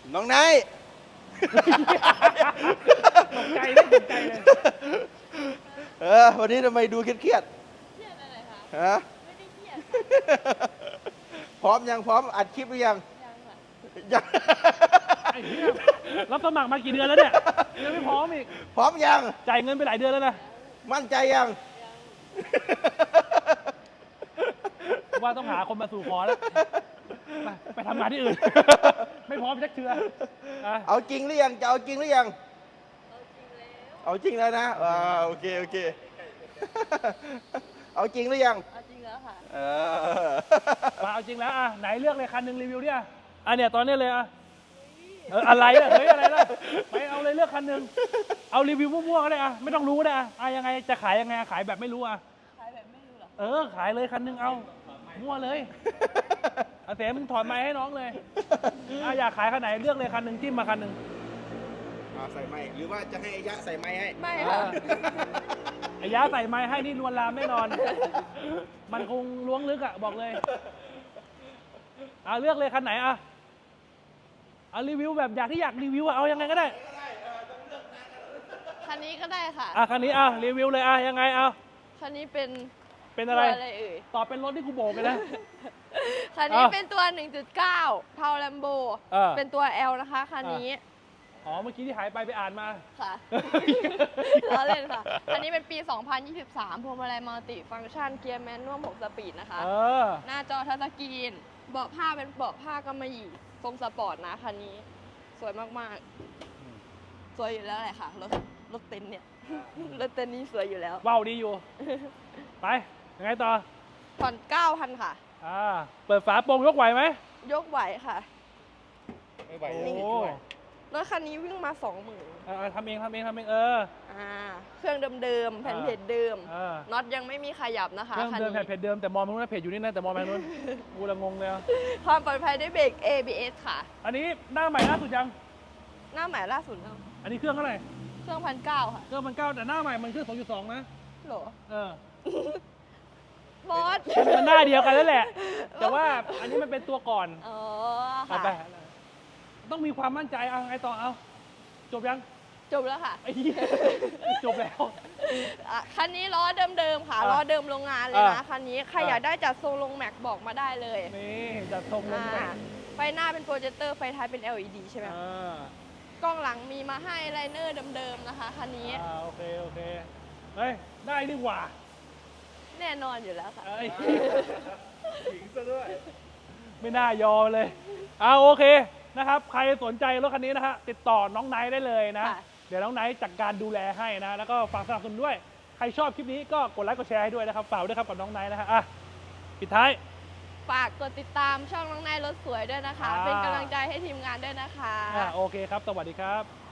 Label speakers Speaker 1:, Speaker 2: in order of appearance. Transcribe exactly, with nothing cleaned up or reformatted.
Speaker 1: น้องนาย
Speaker 2: ตกใจเลยตกใจเลย
Speaker 1: เออวันนี้ทำไมดูเครียด
Speaker 3: เครียดอะไรคะ
Speaker 1: ๆฮะ
Speaker 3: ไม่ได้เครียด
Speaker 1: พร้อมยังพร้อมอัดคลิปหรือยัง
Speaker 3: ยังค่ะ
Speaker 1: ยัง
Speaker 2: ไอ้เหี้ยรับสมัครมากี่เดือนแล้วเนี่ยยังไม่พร้อมอีก
Speaker 1: พร้อมยัง
Speaker 2: จ่ายเงินไปหลายเดือนแล้วนะ
Speaker 1: มั่นใจยัง
Speaker 2: ว่าต้องหาคนมาสู่ขอแล้วไปไปทำงานที่อื่น ไม่พร้อมชักเชืออ่ะ
Speaker 1: เอาจริงหรือยังจะเอาจริงหรือยัง
Speaker 3: เอาจริงแล้ว
Speaker 1: เอาจริงแล้วนะอ่าโอเคโอเค เอาจริงหรือยัง
Speaker 3: เอาจริงแล้วค่ะ
Speaker 1: เออ
Speaker 2: มาเอาจริงแล้วอ่ะไหนเลือกเลยคันหนึ่งรีวิวดิอ่ะอ่ะเนี่ยตอนนี้เลยอ่ะเอออะไรล่ะเฮ้ยอะไรล่ะไปเอาเลยเลือกคันหนึ่งเอารีวิวมั่วๆก็ได้อ่ะไม่ต้องรู้ก็ได้อ่ะอ่ะยังไงจะขายยังไงอ่ะขายแบบไม่รู้อ่ะ
Speaker 3: ขายแบบไม่รู้หรอ
Speaker 2: เออขายเลยคันหนึ่งเอามั่วเลยเอาเสมึงถอดไม้ให้น้องเลยอ่ะอยากขายคันไหนเลือกเลยคันหนึ่งจิ้มมาคันหนึ่ง
Speaker 1: เอาใส่ไม้หรือว่าจะให้ไอ้ยะใส่ไม้ให้
Speaker 3: ไม่ค่ะ
Speaker 2: ไอ้ยาใส่ไม้ให้นี่ลวนลามแน่นอน มันคงล้วงลึกอ่ะบอกเลยเอาเลือกเลยคันไหนอ่ะเอารีวิวแบบอยากที่อยากรีวิวอ่ะเอายังไงก็ได้
Speaker 3: คันนี้ก็ได้ค่ะ
Speaker 2: อ่ะคันนี้อ่ะรีวิวเลยอ่ะยังไงเอา
Speaker 3: คันนี้เป็น
Speaker 2: เป็นอะไร
Speaker 3: ตัวอะไรเอ่ย
Speaker 2: ตอบเป็นรถที่กูโบกเลยนะ
Speaker 3: คันนี้
Speaker 2: อ่ะ
Speaker 3: เป็นตัว หนึ่งจุดเก้า เทาแลมโบ
Speaker 2: เออ
Speaker 3: เป็นตัว L นะคะคันนี้
Speaker 2: อ๋อเมื่อกี้ที่หายไปไปอ่านมา
Speaker 3: ค่ะ ล้อเล่นค่ะ คันนี้เป็นปี สองพันยี่สิบสาม พวงมาลัยมัลติฟังก์ชัน เกียร์แมนนวลหกสปีดนะคะ
Speaker 2: เออ
Speaker 3: หน้าจอทัชสกรีน เบาะผ้าเป็นเบาะผ้ากำมะหยี่ทรงสปอร์ตนะคันนี้ สวยมากๆ สวยอยู่แล้วแหละค่ะ รถรถเต็นท์เนี่ย รถเต็นท์นี้สวยอยู่แล้ว
Speaker 2: ว้าวดีอยู่ ไปยังไงต่อ
Speaker 3: ผ่อนเก้าพันค่ะ
Speaker 2: อ่าเปิดฝาโปร่งยกไหวไหม
Speaker 3: ยกไหวค่ะ
Speaker 1: ไม่ไหว
Speaker 2: โอ้
Speaker 1: เลย
Speaker 3: รถคันนี้วิ่งมาสองหมื่น
Speaker 2: เออทำเองทำเองทำเองเออ
Speaker 3: อ่า เครื่องเดิมๆ แผ่นเพจเดิม
Speaker 2: เออ
Speaker 3: น็อตยังไม่มีขยับนะคะ
Speaker 2: เครื่อง
Speaker 3: คัน
Speaker 2: เดิม
Speaker 3: นี้
Speaker 2: แผ่นเพจเดิมแต่มองไปนู้นนะเพจอยู่นี่นะแต่มองไปนู้น กูละงงเลยอ่ะ
Speaker 3: ความปลอดภัยด้วยเบรก เอ บี เอส ค่ะ
Speaker 2: อันนี้หน้าใหม่ล่าสุดยัง
Speaker 3: หน้าใหม่ล่าสุดแล้ว
Speaker 2: อันนี้เครื่องเท่าไหร่
Speaker 3: เครื่องพันเก้าค่ะ
Speaker 2: เครื่องมันเก้าแต่หน้าใหม่มันเครื่องสองจุดสองนะ
Speaker 3: โหล
Speaker 2: เออ
Speaker 3: บอส
Speaker 2: มันหน้าเดียวกันแล้วแหละ แต่ว่าอันนี้มันเป็นตัวก่อน
Speaker 3: อ๋อ
Speaker 2: เอา
Speaker 3: ค่ะ
Speaker 2: ไปต้องมีความมั่นใจเอาไงต่อเอาจบยัง
Speaker 3: จบแล้วค่ะ
Speaker 2: ไอ้เหี้ยจบแล้ว
Speaker 3: อ่ะคันนี้ล้อเดิมๆค่ะ
Speaker 2: อ่ะ
Speaker 3: ล้อเดิมโรงงานเลยนะ
Speaker 2: อ่ะ
Speaker 3: คันนี้ ใคร
Speaker 2: อ่ะ
Speaker 3: อยากได้จัดทรงลงแม็กบอกมาได้เลย
Speaker 2: นี่จัดทรงลง
Speaker 3: อ่า
Speaker 2: ไป
Speaker 3: ไฟหน้าเป็นโปรเจคเตอร์ ไฟท้ายเป็น แอล อี ดี ใช่ไหม
Speaker 2: อ่า
Speaker 3: กล้องหลังมีมาให้ไลเนอร์เดิมๆนะคะคันนี้
Speaker 2: อ่าโอเคโอเคเฮ้ยได้ดีกว่า
Speaker 3: แน่นอนอยู่แล้วค่ะ
Speaker 2: เอ้ย
Speaker 1: หญิงซะด้วย
Speaker 2: ไม่น่ายอมเลยเอาโอเคนะครับ ใครสนใจรถคันนี้นะฮะติดต่อน้องไนท์ได้เลยนะ
Speaker 3: ค่ะ
Speaker 2: เดี๋ยวน้องไนท์จัดการดูแลให้นะ แล้วก็ฝากสนับสนุนด้วย ใครชอบคลิปนี้ก็กดไลค์กดแชร์ให้ด้วยนะครับฝากด้วยครับกับน้องไนท์นะฮะอ่ะปิดท้าย
Speaker 3: ฝากกดติดตามช่องน้องนายรถสวยด้วยนะคะ
Speaker 2: อ่า
Speaker 3: เป็นกำลังใจให้ทีมงานด้วยนะคะ
Speaker 2: อ่ะโอเคครับ สวัสดีครับ